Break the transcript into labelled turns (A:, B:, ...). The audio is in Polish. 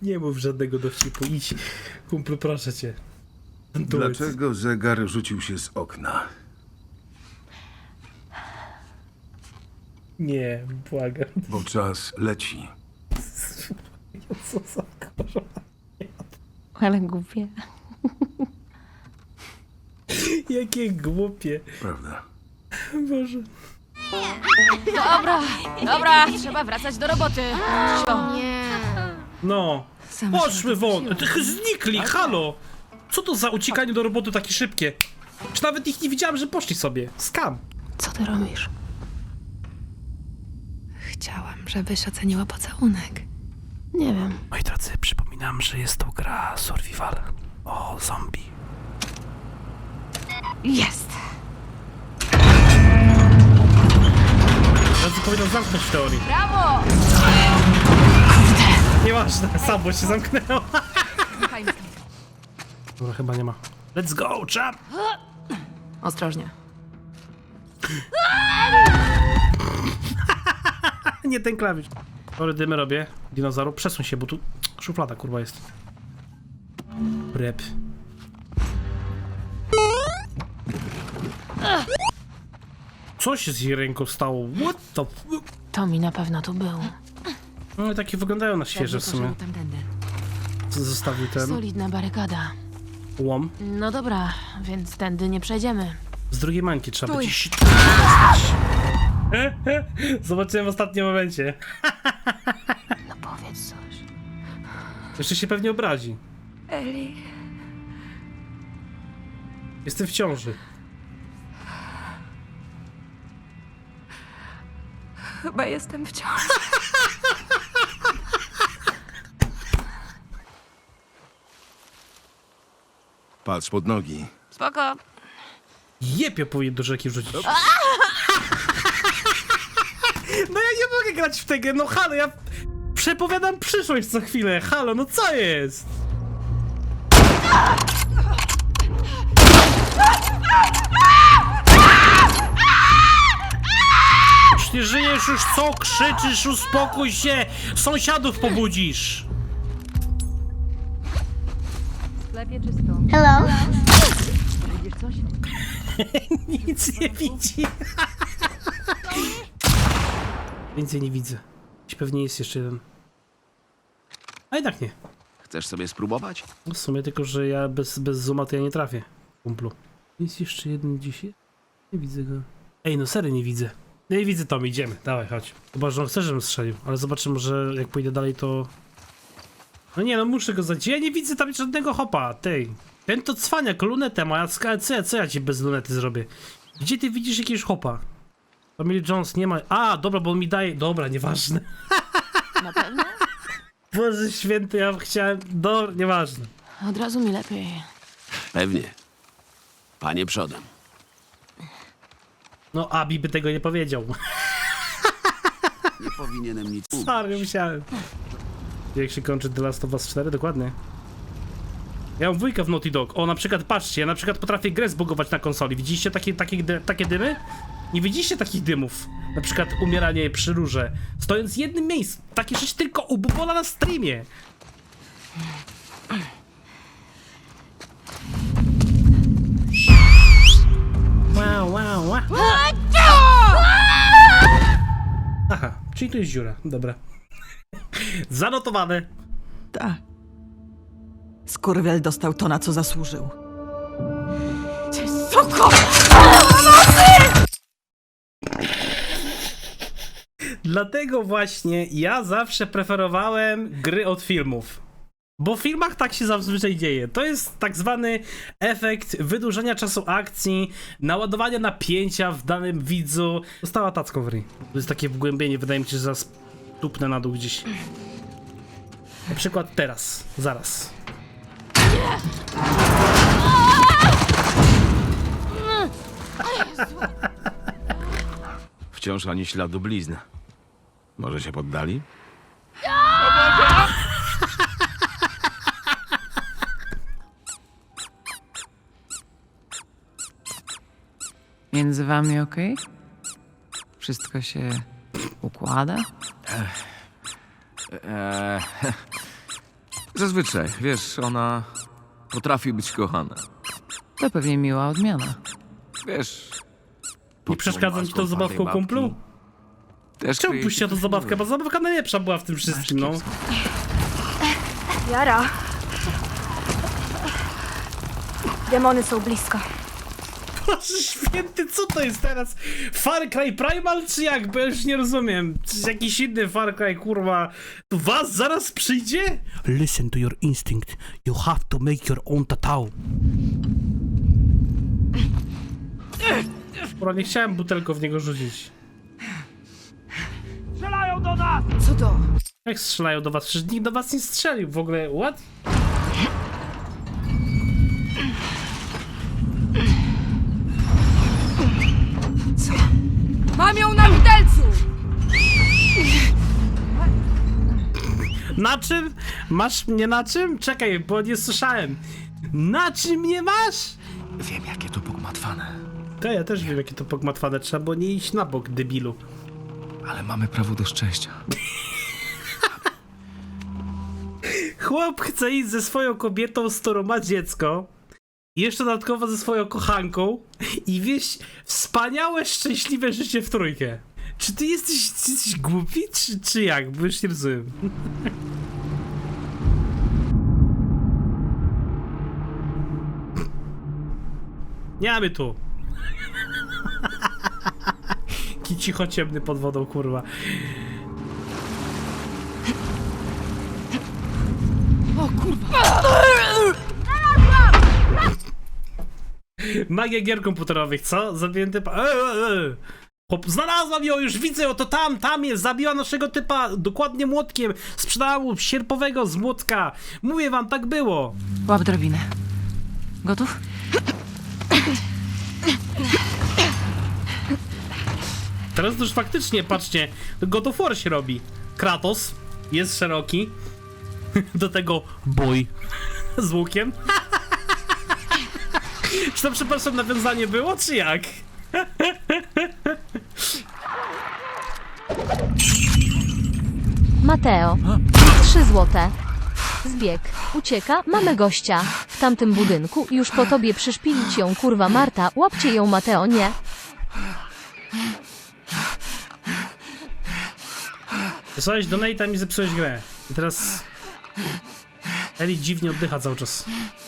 A: Nie mów żadnego dowcipu, idź. Kumplu, proszę cię.
B: Dlaczego zegar rzucił się z okna?
A: Nie, błagam.
B: Bo czas leci.
A: Co za kurwa.
C: Ale głupie.
A: Jakie głupie.
B: Prawda.
A: Boże.
C: Dobra, trzeba wracać do roboty.
A: No.
C: Sama się
A: Poszły won.
C: odwróciłam.
A: Znikli, halo. Co to za uciekanie do roboty takie szybkie? Czy nawet ich nie widziałem, że poszli sobie. Skam.
C: Co ty robisz?
D: Chciałam, żebyś oceniła pocałunek.
C: Nie wiem.
A: Moi drodzy, przypominam, że jest to gra survival o zombie.
C: Jest!
A: Teraz powinien zamknąć w teorii.
C: Brawo!
A: Nieważne, samo się zamknęło.
C: Słuchajmy.
A: Dobra, chyba nie ma. Let's go, chap!
C: Ostrożnie.
A: Nie ten klawisz. Tory dymy robię. Dinozaur, przesuń się, bo tu szuflada kurwa jest. Rep. Co się z jej ręką stało? What the f...
C: To mi na pewno tu był.
A: No i takie wyglądają na świeże w sumie.
C: Tamtędy.
A: Co zostawił ten
C: Solidna barykada.
A: łom.
C: No dobra, więc tędy nie przejdziemy.
A: Z drugiej mańki trzeba
C: Stój.
A: być. Zobaczyłem w ostatnim momencie.
C: No powiedz coś.
A: Jeszcze się pewnie obrazi.
D: Eli,
A: Jestem w ciąży.
D: chyba jestem w ciąży.
B: Patrz pod nogi.
C: Spoko.
A: Jepio powinien do rzeki wrzucić. No ja nie mogę grać w tę grę, no halo, ja przepowiadam przyszłość co chwilę, halo, no co jest? Już nie żyjesz, już co krzyczysz, uspokój się, sąsiadów pobudzisz.
C: Sklepie czysto.
E: Hello?
C: Widzisz coś?
A: Nic nie widzi. Więcej nie widzę. Pewnie jest jeszcze jeden. A jednak nie.
F: Chcesz sobie spróbować?
A: No w sumie tylko, że ja bez zooma to ja nie trafię, kumplu. Jest jeszcze jeden dzisiaj? Nie widzę go. Ej, no serio nie widzę. No i widzę Tom, idziemy. Dawaj, chodź. Chyba, że on chce, żebym strzelił. Ale zobaczymy, że jak pójdę dalej, to... No nie, no muszę go zadzieć. Ja nie widzę tam żadnego hopa, tej. Ten to cwaniak, lunetę ma. Co ja ci bez lunety zrobię? Gdzie ty widzisz jakiegoś hopa? Tommy Jones nie ma... A, dobra, bo on mi daje... Dobra, nieważne.
C: Na pewno?
A: Boże święty, ja chciałem... nieważne.
C: Od razu mi lepiej.
F: Pewnie. Panie przodem.
A: No, Abi by tego nie powiedział.
F: Nie powinienem nic
A: Sorry, musiałem. Jak się kończy The Last of Us 4? Dokładnie. Ja mam dwójkę w Naughty Dog. O, na przykład, patrzcie, ja na przykład potrafię grę zbugować na konsoli. Widzieliście takie dymy? Nie widzieliście takich dymów? Na przykład umieranie przy rurze. Stojąc w jednym miejscu. Takie rzeczy tylko u Bubola na streamie. Wow, wow, wow. Aha, czyli tu jest dziura. Dobra. Zanotowane.
G: Tak. Skurwiel dostał to, na co zasłużył.
A: Dlatego właśnie ja zawsze preferowałem gry od filmów. Bo w filmach tak się zazwyczaj dzieje. To jest tak zwany efekt wydłużenia czasu akcji, naładowania napięcia w danym widzu. Została tacką w ryj. To jest takie wgłębienie, wydaje mi się, że zaraz tupnę na dół gdzieś. Na przykład teraz, zaraz.
F: Wciąż ani śladu blizn. Może się poddali?
H: Między wami okej? Wszystko się układa?
E: zazwyczaj, wiesz, ona potrafi być kochana.
H: To pewnie miła odmiana.
E: Wiesz...
A: Nie przeszkadza ci to zabawką kumplu?
E: Też
A: Czemu
E: kryje
A: puściła
E: się
A: to zabawkę? Bo zabawka najlepsza była w tym wszystkim, no.
I: Jara. Demony są blisko.
A: Boże święty, co to jest teraz? Far Cry Primal czy jak? Bo ja już nie rozumiem. Czy jakiś inny Far Cry, kurwa, to was zaraz przyjdzie? Listen to your instinct. You have to make your own tatao. Kurwa, nie chciałem butelką w niego rzucić.
I: Co to?
A: Jak strzelają do was? Przecież nikt do was nie strzelił w ogóle. What?
I: Mam ją na widelcu!
A: Na czym? Masz mnie na czym? Czekaj, bo nie słyszałem. Na czym mnie masz?
F: Wiem, jakie to pogmatwane.
A: To ja też wiem, jakie to pogmatwane. Trzeba było nie iść na bok, debilu.
E: Ale mamy prawo do szczęścia.
A: Chłop chce iść ze swoją kobietą, z którą ma dziecko. I jeszcze dodatkowo ze swoją kochanką. I wieść wspaniałe, szczęśliwe życie w trójkę. Czy ty jesteś głupi, czy jak? Bo już nie rozumiem. Nie mamy tu. Ki cicho ciemny pod wodą, kurwa.
I: O kurwa!
A: Magia gier komputerowych, co? Zabiłem typa. Chłop, znalazłam ją, już widzę, oto tam jest, zabiła naszego typa, dokładnie młotkiem, sprzedała mu sierpowego z młotka. Mówię wam, tak było.
H: Łap drabinę. Gotów?
A: Teraz to już faktycznie, patrzcie, God of War się robi. Kratos jest szeroki, do tego bój z łukiem. Czy to, przepraszam, nawiązanie było, czy jak?
J: Mateo. 3 złote. Zbieg. Ucieka. Mamy gościa. W tamtym budynku. Już po tobie przyszpilić ją, kurwa Marta. Łapcie ją, Mateo, nie.
A: Wysłałeś donate'a i mi zepsułeś grę. I teraz... Eli dziwnie oddycha cały czas.